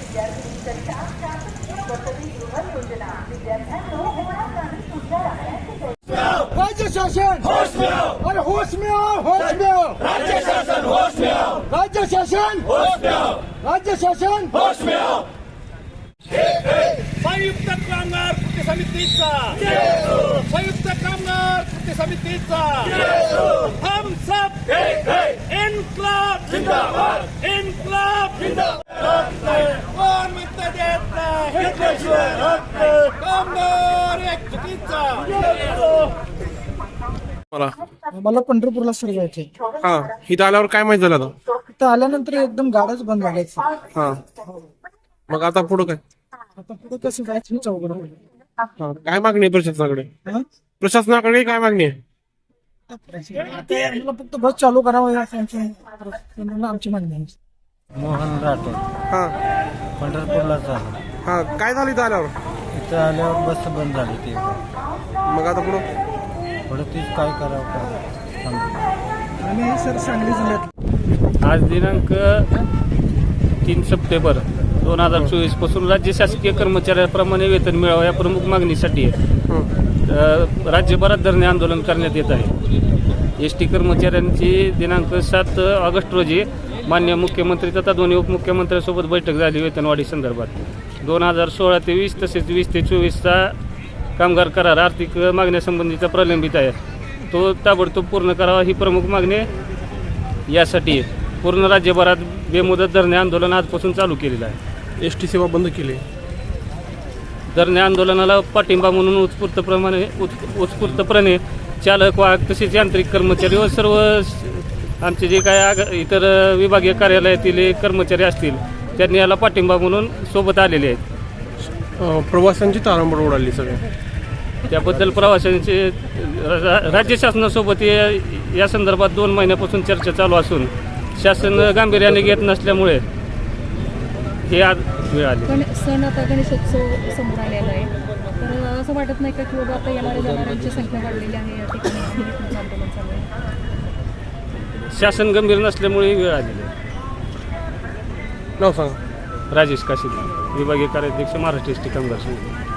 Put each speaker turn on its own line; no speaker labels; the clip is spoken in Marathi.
राज्य शासन होश में आओ, अरे होश में आओ, होश में आओ, राज्य शासन होश में आओ, राज्य शासन होश में आओ, राज्य शासन होश में आओ।
संयुक्त कामगार कृती समितीचा संयुक्त कामगार कृती समितीचा हम सब इन्क्लाब जिंदाबाद, इन्क्लाब जिंदाबाद। कोण म्हणतं देत नाही कामगार एकजुटीचा।
मला पंढरपूरला सर जायचे.
हा, इथं आल्यावर काय माहिती झालं आता?
इथं आल्यानंतर एकदम गाड्याच बंद झाल्याचं.
हा, मग आता पुढं काय?
आता पुढे कसं जायचं हेच अवघड होईल.
हा, काय मागणी आहे प्रशासनाकडे?
हा?
प्रशासनाकडे काय मागणी आहे?
आता आम्हाला फक्त बस चालू करावं या आमची मागणी आहे.
मोहन राठोड
हा
पंढरपूरला झालं.
हा, काय झालं इथं आल्यावर?
इथं आल्यावर बस बंद झाली ती.
मग आता पुढं
पुढे तीच काय करावं काय समजलं.
आणि सर सांगली जिल्ह्यात
आज दिनांक 3 सप्टेंबर 2024 पासून राज्य शासकीय कर्मचाऱ्याप्रमाणे वेतन मिळावं या प्रमुख मागणीसाठी राज्यभरात धरणे आंदोलन करण्यात येत आहे. एस टी कर्मचाऱ्यांची दिनांक 7 ऑगस्ट रोजी माननीय मुख्यमंत्री तथा दोन्ही उपमुख्यमंत्र्यांसोबत बैठक झाली वेतनवाढी संदर्भात. 2016 ते 20 तसेच 20 ते 24चा कामगार करार आर्थिक मागण्यासंबंधीचा प्रलंबित आहे, तो ताबडतोब पूर्ण करावा ही प्रमुख मागणी यासाठी पूर्ण राज्यभरात बेमुदत धरणे आंदोलन आजपासून चालू केलेलं आहे.
एस टी सेवा बंद केली.
धरणे आंदोलनाला पाठिंबा म्हणून उत्स्फूर्तपणे चालक वाहक तसेच यांत्रिक कर्मचारी व सर्व आमचे जे काय इतर विभागीय कार्यालयातील कर्मचारी असतील त्यांनी याला पाठिंबा म्हणून सोबत आलेले आहेत.
प्रवाशांची तारांबळ उडाली सगळ्या.
त्याबद्दल प्रवाशांचे राज्य शासनासोबत या संदर्भात 2 महिन्यापासून चर्चा चालू असून शासन गांभीर्याने घेत नसल्यामुळे हे आज वेळ आली.
पण सण आता गणेशोत्सव समोर आलेला आहे, तर असं वाटत नाही का की बाबा आता येणाऱ्या जाणाऱ्यांची संख्या वाढलेली आहे या ठिकाणी आंदोलन चालू आहे?
शासन गंभीर नसल्यामुळे वेळ आलेली आहे.
नाव सांगा.
राजेश काशीद, विभागीय कार्याध्यक्ष, महाराष्ट्र एस टी कामगार संघ.